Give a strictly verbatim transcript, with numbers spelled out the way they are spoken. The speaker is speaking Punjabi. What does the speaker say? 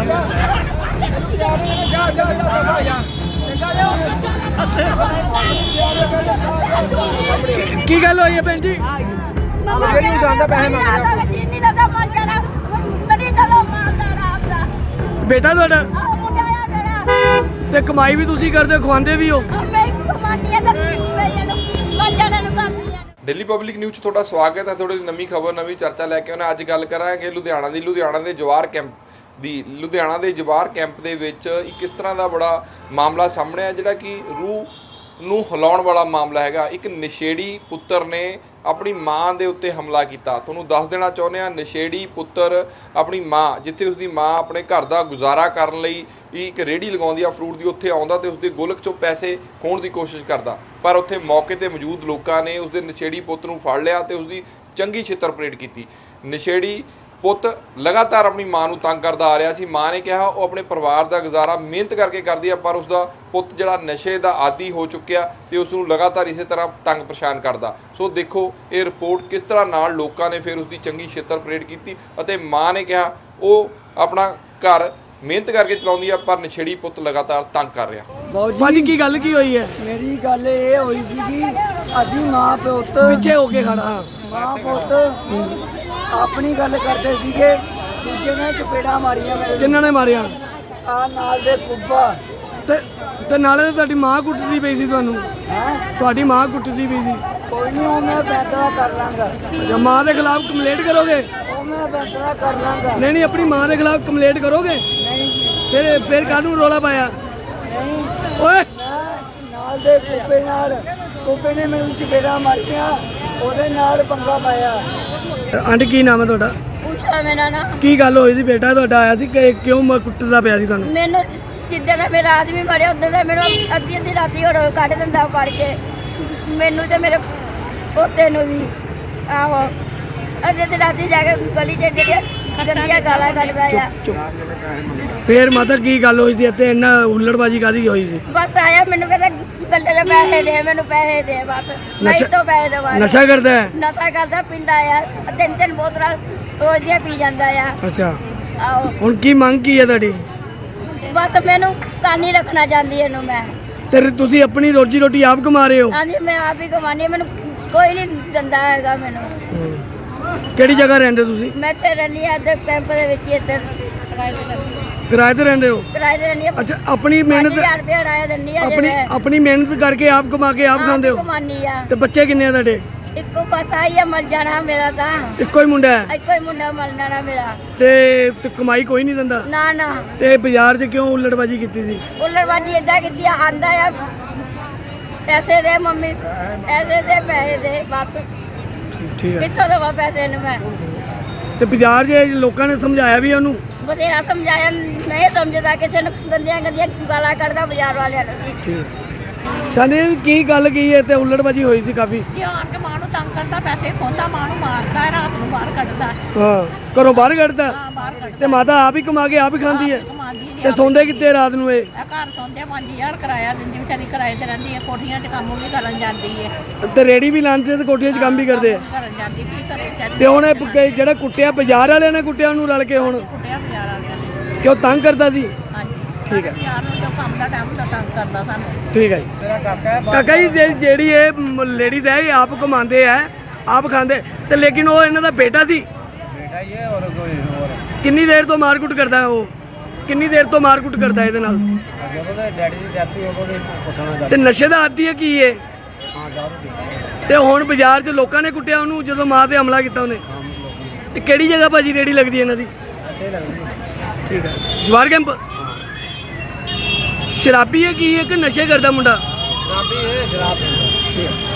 ਕੀ ਗੱਲ ਹੋਈ ਹੈ ਭੈਣ ਜੀ? ਬੇਟਾ ਤੁਹਾਡਾ ਤੇ ਕਮਾਈ ਵੀ ਤੁਸੀਂ ਕਰਦੇ, ਖਵਾਉਂਦੇ ਵੀ ਹੋ? ਦਿੱਲੀ ਪਬਲਿਕ ਨਿਊਜ਼ 'ਚ ਤੁਹਾਡਾ ਸਵਾਗਤ ਹੈ। ਥੋੜੀ ਨਵੀਂ ਖਬਰ, ਨਵੀਂ ਚਰਚਾ ਲੈ ਕੇ ਆਉਣਾ। ਅੱਜ ਗੱਲ ਕਰਾਂਗੇ ਲੁਧਿਆਣਾ ਦੀ। ਲੁਧਿਆਣਾ ਦੇ ਜਵਾਰ ਕੈਂਪ ਦੀ ਲੁਧਿਆਣਾ ਦੇ ਜਵਾਰ ਕੈਂਪ ਦੇ ਵਿੱਚ ਇੱਕ ਇਸ ਤਰ੍ਹਾਂ ਦਾ ਬੜਾ ਮਾਮਲਾ ਸਾਹਮਣੇ ਆ ਜਿਹੜਾ ਕਿ ਰੂਹ ਨੂੰ ਹਿਲਾਉਣ ਵਾਲਾ ਮਾਮਲਾ ਹੈਗਾ। ਇੱਕ ਨਸ਼ੇੜੀ ਪੁੱਤਰ ਨੇ ਆਪਣੀ ਮਾਂ ਦੇ ਉੱਤੇ ਹਮਲਾ ਕੀਤਾ। ਤੁਹਾਨੂੰ ਦੱਸ ਦੇਣਾ ਚਾਹੁੰਦੇ ਹਾਂ, ਨਸ਼ੇੜੀ ਪੁੱਤਰ ਆਪਣੀ ਮਾਂ, ਜਿੱਥੇ ਉਸਦੀ ਮਾਂ ਆਪਣੇ ਘਰ ਦਾ ਗੁਜ਼ਾਰਾ ਕਰਨ ਲਈ ਇੱਕ ਰੇਹੜੀ ਲਗਾਉਂਦੀ ਆ ਫਰੂਟ ਦੀ, ਉੱਥੇ ਆਉਂਦਾ ਤੇ ਉਸਦੇ ਗੋਲਕ 'ਚੋਂ ਪੈਸੇ ਖੋਹਣ ਦੀ ਕੋਸ਼ਿਸ਼ ਕਰਦਾ। ਪਰ ਉੱਥੇ ਮੌਕੇ 'ਤੇ ਮੌਜੂਦ ਲੋਕਾਂ ਨੇ ਉਸਦੇ ਨਸ਼ੇੜੀ ਪੁੱਤ ਨੂੰ ਫੜ ਲਿਆ ਤੇ ਉਸਦੀ ਚੰਗੀ ਛਿੱਤਰ ਪਰੇਡ ਕੀਤੀ। ਨਸ਼ੇੜੀ ਪੁੱਤ ਲਗਾਤਾਰ ਆਪਣੀ ਮਾਂ ਨੂੰ ਤੰਗ ਕਰਦਾ ਆ ਰਿਹਾ ਸੀ। ਮਾਂ ਨੇ ਕਿਹਾ ਉਹ ਆਪਣੇ ਪਰਿਵਾਰ ਦਾ ਗੁਜ਼ਾਰਾ ਮਿਹਨਤ ਕਰਕੇ ਕਰਦੀ ਆ, ਪਰ ਉਸਦਾ ਪੁੱਤ ਜਿਹੜਾ ਨਸ਼ੇ ਦਾ ਆਦੀ ਹੋ ਚੁੱਕਿਆ ਤੇ ਉਸ ਨੂੰ ਲਗਾਤਾਰ ਇਸੇ ਤਰ੍ਹਾਂ ਤੰਗ ਪਰੇਸ਼ਾਨ ਕਰਦਾ। ਸੋ ਦੇਖੋ ਇਹ ਰਿਪੋਰਟ ਕਿਸ ਤਰ੍ਹਾਂ ਨਾਲ ਲੋਕਾਂ ਨੇ ਫਿਰ ਉਸਦੀ ਚੰਗੀ ਛਿੱਤਰ ਪਰੇਡ ਕੀਤੀ ਅਤੇ ਮਾਂ ਨੇ ਕਿਹਾ ਉਹ ਆਪਣਾ ਘਰ ਮਿਹਨਤ ਕਰਕੇ ਚਲਾਉਂਦੀ ਆ, ਪਰ ਨਸ਼ੇੜੀ ਪੁੱਤ ਲਗਾਤਾਰ ਤੰਗ ਕਰ ਰਿਹਾ। ਬਾਜੀ ਕੀ ਗੱਲ ਕੀ ਹੋਈ ਹੈ? ਮੇਰੀ ਗੱਲ ਇਹ ਹੋਈ ਸੀ ਕਿ ਅਸੀਂ ਮਾਂ ਪੁੱਤ ਪਿੱਛੇ ਹੋ ਕੇ ਖੜਾ, ਮਾਂ ਪੁੱਤ ਆਪਣੀ ਗੱਲ ਕਰਦੇ ਸੀਗੇ, ਦੂਜੇ ਨੇ ਚਪੇੜਾ ਮਾਰੀਆਂ ਮੇਰੇ। ਕਿੰਨਾਂ ਨੇ ਮਾਰਿਆ? ਆ ਨਾਲ ਦੇ ਕੁੱਬਾ ਤੇ ਤੇ ਨਾਲੇ ਤਾਂ ਤੁਹਾਡੀ ਮਾਂ ਕੁੱਟਦੀ ਪਈ ਸੀ ਤੁਹਾਨੂੰ। ਹੈ ਤੁਹਾਡੀ ਮਾਂ ਕੁੱਟਦੀ ਪਈ ਸੀ। ਕੋਈ ਨਹੀਂ, ਉਹ ਮੈਂ ਫੈਸਲਾ ਕਰ ਲਾਂਗਾ। ਜਾਂ ਮਾਂ ਦੇ ਖਿਲਾਫ ਕੰਪਲੇਂਟ ਕਰੋਗੇ? ਉਹ ਮੈਂ ਫੈਸਲਾ ਕਰ ਲਾਂਗਾ। ਨਹੀਂ ਨਹੀਂ, ਆਪਣੀ ਮਾਂ ਦੇ ਖਿਲਾਫ ਕੰਪਲੇਂਟ ਕਰੋਗੇ? ਨਹੀਂ ਜੀ, ਫਿਰ ਫਿਰ ਕਾਹਨੂੰ ਰੋਲਾ ਪਾਇਆ? ਨਹੀਂ। ਓਏ ਮੈਂ ਨਾਲ ਦੇ ਕੁੱਬੇ ਨਾਲ ਕੁੱਬੇ ਨੇ ਮੈਨੂੰ ਚਪੇੜਾ ਮਾਰੀਆਂ, ਉਹਦੇ ਨਾਲ ਪੰਗਾ ਪਾਇਆ। ਆਂਟੀ ਕੀ ਨਾਮ ਹੈ ਤੁਹਾਡਾ? ਪੁੱਛਾ ਮੇਰਾ ਨਾ ਕੀ ਗੱਲ ਹੋਈ ਸੀ? ਬੇਟਾ ਤੁਹਾਡਾ ਆਇਆ ਸੀ ਕਿ ਕਿਉਂ ਮ- ਕੁੱਟਦਾ ਪਿਆ ਸੀ ਤੁਹਾਨੂੰ? ਮੈਨੂੰ ਜਿੱਦਾਂ ਦਾ ਮੇਰਾ ਆਦਮੀ ਮਰਿਆ ਉਦੋਂ ਦਾ ਮੈਨੂੰ ਅੱਧੀ ਅੱਧੀ ਰਾਤੀ ਹੋਰ ਕੱਢ ਦਿੰਦਾ ਫੜ ਕੇ, ਮੈਨੂੰ ਤੇ ਮੇਰੇ ਪੋਤੇ ਨੂੰ ਵੀ। ਆਹੋ, ਅੱਧੀ ਅੱਧੀ ਰਾਤੀ ਜਾ ਕੇ ਗਲੀ 'ਚ ਜਿਹੜੀਆਂ ਗੰਦੀਆਂ ਗਾਲਾਂ ਕੱਢਦਾ ਆ। ਫੇਰ ਮਾਤਾ ਕੀ ਗੱਲ ਹੋਈ ਸੀ ਇੱਥੇ? ਇੰਨਾ ਹੁੱਲੜਬਾਜੀ ਕਾਦੀ ਹੋਈ ਸੀ? ਬਸ ਆਇਆ ਮੈਨੂੰ ਕਹਿੰਦਾ ਗੱਲੇ ਦੇ ਪੈਸੇ ਦੇ, ਮੈਨੂੰ ਪੈਸੇ ਦੇ, ਬਸ ਮੈਂ ਨਸ਼ਾ- ਤੋਂ ਪੈਸੇ ਦਵਾ। ਨਸ਼ਾ ਕਰਦਾ ਹੈ? ਨਸ਼ਾ ਕਰਦਾ, ਪੀਂਦਾ ਆ, ਤਿੰਨ ਤਿੰਨ ਬੋਤਲਾਂ ਰੋਜ਼ ਦੀਆਂ ਪੀ ਜਾਂਦਾ ਆ। ਅੱਛਾ, ਆਹੋ, ਹੁਣ ਕੀ ਮੰਗ ਕੀ ਹੈ ਤੁਹਾਡੀ? ਬਸ ਮੈਨੂੰ ਕਾਨੀ ਰੱਖਣਾ ਚਾਹੁੰਦੀ ਇਹਨੂੰ ਮੈਂ। ਤੇ ਤੁਸੀਂ ਆਪਣੀ ਰੋਜੀ ਰੋਟੀ ਆਪ ਕਮਾ ਰਹੇ ਹੋ? ਹਾਂਜੀ, ਮੈਂ ਆਪ ਹੀ ਕਮਾਉਂਦੀ ਹਾਂ, ਮੈਨੂੰ ਕੋਈ ਨਹੀਂ ਦਿੰਦਾ ਹੈਗਾ ਮੈਨੂੰ। ਕਿਹੜੀ ਜਗ੍ਹਾ ਰਹਿੰਦੇ ਤੁਸੀਂ? ਮੈਂ ਇੱਥੇ ਰਹਿੰਦੀ ਹਾਂ, ਇੱਧਰ ਕੈਂਪ ਦੇ ਵਿੱਚ ਹੀ, ਇੱਧਰ ਕਿਰਾਏ ਤੇ ਰਹਿੰਦੀ ਕਿਰਾਏ ਤੇ ਰਹਿੰਦੇ ਹੋ? ਕਿਰਾਏ ਤੇ ਰਹਿੰਦੀ ਹਾਂ। ਅੱਛਾ, ਆਪਣੀ ਮਿਹਨਤ ਪੰਜ ਹਜ਼ਾਰ ਰੁਪਏ ਕਿਰਾਇਆ ਦਿੰਦੀ ਆ। ਆਪਣੀ ਆਪਣੀ ਮਿਹਨਤ ਕਰਕੇ ਆਪ ਕਮਾ ਕੇ ਆਪ ਖਾਂਦੇ ਹੋ? ਕਮਾਨੀ ਆ। ਤੇ ਬੱਚੇ ਕਿੰਨੇ ਆ ਤੁਹਾਡੇ? ਇੱਕੋ ਬਸ ਆਈ ਆ, ਮਰ ਜਾਣਾ ਮੇਰਾ ਤਾਂ। ਇੱਕੋ ਹੀ ਮੁੰਡਾ ਹੈ? ਇੱਕੋ ਹੀ ਮੁੰਡਾ ਮਰ ਜਾਣਾ ਮੇਰਾ। ਤੇ ਤੇ ਕਮਾਈ ਕੋਈ ਨਹੀਂ ਦਿੰਦਾ? ਨਾ ਨਾ, ਤੇ ਬਾਜ਼ਾਰ 'ਚ ਕਿਉਂ ਹੁੱਲੜਬਾਜੀ ਕੀਤੀ ਸੀ? ਉਲੜਬਾਜੀ ਏਦਾਂ ਕੀਤੀ ਆ, ਆਂਦਾ ਆ ਪੈਸੇ ਦੇ ਮੰਮੀ, ਪੈਸੇ ਦੇ, ਪੈਸੇ ਦੇ, ਬਸ ਠੀਕ ਹੈ। ਕਿੱਥੋਂ ਦੇਵਾਂ ਪੈਸੇ ਨੂੰ ਮੈਂ? ਤੇ ਬਾਜ਼ਾਰ 'ਚ ਲੋਕਾਂ ਨੇ ਸਮਝਾਇਆ ਵੀ ਉਹਨੂੰ? ਬਥੇਰਾ ਸਮਝਾਇਆ, ਨਹੀਂ ਸਮਝਦਾ, ਕਿਸੇ ਨੂੰ ਗੰਦੀਆਂ ਗੰਦੀਆਂ ਗਾਲਾਂ ਕੱਢਦਾ ਬਾਜ਼ਾਰ ਵਾਲਿਆਂ ਨੂੰ ਵੀ। ਠੀਕ। ਸਾਨੇ ਕੀ ਗੱਲ ਕੀ ਹੈ ਤੇ ਹੁੱਲੜਬਾਜੀ ਹੋਈ ਸੀ ਕਾਫੀ? ਕਿ ਆਣ ਕੇ ਮਾਂ ਨੂੰ ਤੰਗ ਕਰਦਾ, ਪੈਸੇ ਖੋਂਦਾ, ਮਾਂ ਨੂੰ ਮਾਰਦਾ ਹੈ, ਰਾਤ ਨੂੰ ਬਾਹਰ ਕੱਢਦਾ। ਹਾਂ, ਘਰੋਂ ਬਾਹਰ ਕੱਢਦਾ? ਹਾਂ, ਬਾਹਰ ਕੱਢਦਾ। ਤੇ ਮਾਤਾ ਆਪ ਹੀ ਕਮਾ ਕੇ ਆਪ ਹੀ ਖਾਂਦੀ ਹੈ? ਕਮਾਉਂਦੀ ਨਹੀਂ। ਤੇ ਸੌਂਦੇ ਕਿੱਥੇ ਰਾਤ ਨੂੰ ਇਹ? ਇਹ ਘਰ ਸੌਂਦੇ ਪੰਜ ਹਜ਼ਾਰ ਕਿਰਾਇਆ ਦਿੰਦੀ, ਵਿਚਾਰੀ ਕਿਰਾਏ ਤੇ ਰਹਿੰਦੀ ਹੈ, ਕੋਠੀਆਂ 'ਚ ਕੰਮ ਵੀ ਕਰਨ ਜਾਂਦੀ ਹੈ। ਤੇ ਰੇੜੀ ਵੀ ਲਾਉਂਦੇ ਤੇ ਕੋਠੀਆਂ 'ਚ ਕੰਮ ਵੀ ਕਰਦੇ ਆ? ਕਰਨ ਜਾਂਦੀ, ਕੀ ਕਰੇ ਵਿਚਾਰੀ। ਤੇ ਹੁਣ ਇਹ ਪ- ਜਿਹੜਾ ਕੁੱਟਿਆ ਬਾਜ਼ਾਰ ਵਾਲਿਆਂ ਨੇ ਕੁੱਟਿਆ ਉਹਨੂੰ ਰਲ ਕੇ, ਹੁਣ ਕੁੱਟਿਆ ਬਾਜ਼ਾਰ ਵਾਲਿਆਂ ਨੇ। ਕਿਉਂ ਤੰਗ ਕਰਦਾ ਸੀ? ਹਾਂਜੀ, ਠੀਕ ਹੈ। ਯਾਰ ਨੂੰ ਜੋ ਕੰਮ ਦਾ ਟਾਈਮ ਦਾ ਤੰਗ ਕਰਦਾ ਸਾਨੂੰ। ਠੀਕ ਹੈ ਜੀ। ਕਾਕਾ ਜੀ ਜੇ- ਜਿਹੜੀ ਇਹ ਲੇਡੀਜ਼ ਹੈ ਇਹ ਆਪ ਕਮਾਉਂਦੇ ਆ, ਆਪ ਖਾਂਦੇ, ਤੇ ਲੇਕਿਨ ਉਹ ਇਹਨਾਂ ਦਾ ਬੇਟਾ ਸੀ। ਬੇਟਾ ਇਹ ਹੋਰ ਕੋਈ ਹੋਰ ਕਿੰਨੀ ਦੇਰ ਤੋਂ ਮਾਰਕੁੱਟ ਕਰਦਾ ਉਹ? ਕਿੰਨੀ ਦੇਰ ਤੋਂ ਮਾਰਕੁੱਟ ਕਰਦਾ ਇਹਦੇ ਨਾਲ? ਜਦੋਂ ਦੇ ਡੈਡੀ ਦੀ ਡੈਥ ਹੋ ਗਈ ਪੁੱਛਣਾ ਤੇ ਨਸ਼ੇ ਦਾ ਆਦੀ ਹੈ ਕੀ ਇਹ? ਹਾਂ ਦਾਰੂ ਤੇ ਹੁਣ ਬਾਜ਼ਾਰ 'ਚ ਲੋਕਾਂ ਨੇ ਕੁੱਟਿਆ ਉਹਨੂੰ ਜਦੋਂ ਮਾਂ ਤੇ ਹਮਲਾ ਕੀਤਾ ਉਹਨੇ। ਤੇ ਕਿਹੜੀ ਜਗ੍ਹਾ ਭਾਜੀ ਰੇੜੀ ਲੱਗਦੀ ਹੈ ਇਹਨਾਂ ਦੀ? ਅੱਛੇ ਲੱਗਦੀ। ਠੀਕ ਹੈ। ਜਵਾਰ ਕੈਂਪ? ਸ਼ਰਾਬੀ ਹੈ ਕੀ ਹੈ ਕਿ ਨਸ਼ੇ ਕਰਦਾ ਮੁੰਡਾ? ਸ਼ਰਾਬੀ ਇਹ ਸ਼ਰਾਬ ਪੀਂਦਾ।